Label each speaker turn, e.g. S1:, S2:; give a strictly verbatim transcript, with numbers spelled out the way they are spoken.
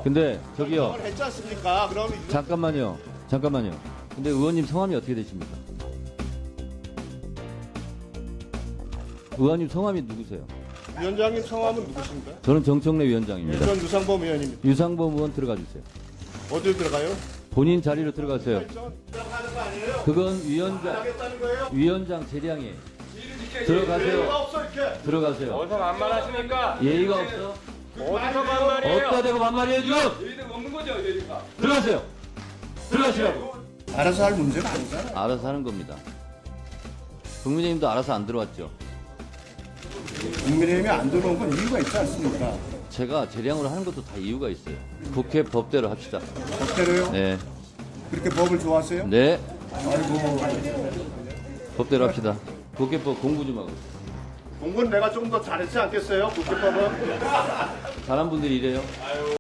S1: 근데 저기요.
S2: 결정을 했지 않습니까? 그럼 이거
S1: 잠깐만요. 잠깐만요. 근데 의원님 성함이 어떻게 되십니까? 의원님 성함이 누구세요?
S2: 위원장님 성함은 누구십니까?
S1: 저는 정청래 위원장입니다.
S2: 전 유상범 의원입니다.
S1: 유상범 의원 들어가 주세요.
S2: 어디로 들어가요?
S1: 본인 자리로 들어가세요.
S2: 들어가는 거 아니에요?
S1: 그건 위원장
S2: 하겠다는 거예요?
S1: 위원장 재량이에요.
S2: 예의가
S1: 들어가세요.
S2: 없어 이렇게.
S1: 들어가세요.
S3: 어디서 반말하십니까?
S1: 예의가 없어?
S3: 어디서 반말이에요?
S1: 어디다 대고 반말이에요 지금?
S3: 예의가 없는 거죠, 예의가.
S1: 들어가세요. 들어가시라고.
S2: 알아서 할 문제가 아니잖아.
S1: 알아서 하는 겁니다. 국민의힘도 알아서 안 들어왔죠.
S2: 국민의힘이 안 들어온 건 이유가 있지 않습니까?
S1: 제가 재량으로 하는 것도 다 이유가 있어요. 국회 법대로 합시다.
S2: 법대로요?
S1: 네.
S2: 그렇게 법을 좋아하세요?
S1: 네.
S2: 아이고.
S1: 법대로 합시다. 국회법 공부 좀 하고.
S2: 공부는 내가 좀 더 잘했지 않겠어요? 국회법은?
S1: 잘한 분들이 이래요.